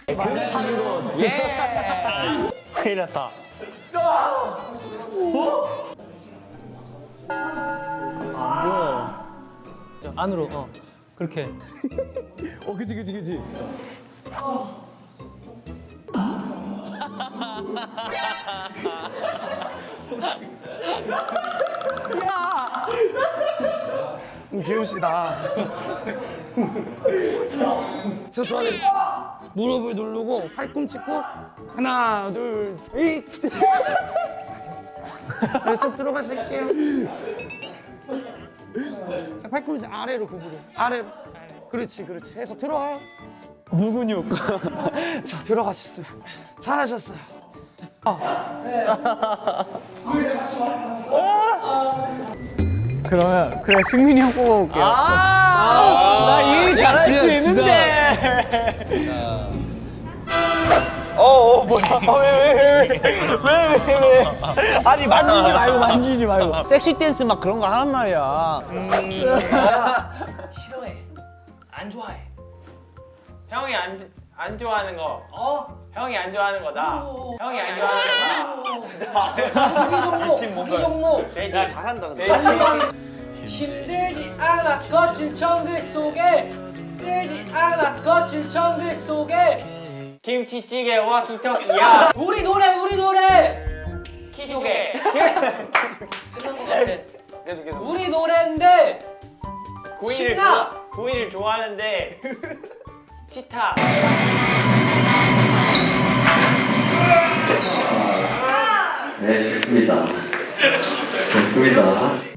그렇다는 예. 큰일 났다. 안 보여. 안으로 그렇게. 그치. 귀여우시다. 저 좋아해. 무릎을 누르고 팔꿈치 꼭 하나 둘 셋. 네, 쏙 들어가실게요. 자, 팔꿈치 아래로 구부려. 아래로. 그렇지. 해서 들어와요. 무근육. 자, 들어가셨어요. 잘하셨어요. 그러면 그래 승민이 형 뽑아볼게요. 나 이 잘할 수 있는데. 뭐야? 왜? 아니 만지지 말고. 섹시 댄스 막 그런 거 하란 말이야. 싫어해. 안 좋아해. 형이 안 좋아하는 거. 형이 안 좋아하는 거다. 형이 안 좋아하는 거다. 수기 종목. 돼지. 잘한다. 힘들지 않아 거친 정글 속에. 힘들지 않아 거친 정글 속에. 김치찌개와 기떡이야. 우리 노래. 키조개. 끝난 것 같아. 계속. 우리 노래인데 구이를 신나! 구이를 좋아하는데 치타. 네, 좋습니다. 좋습니다.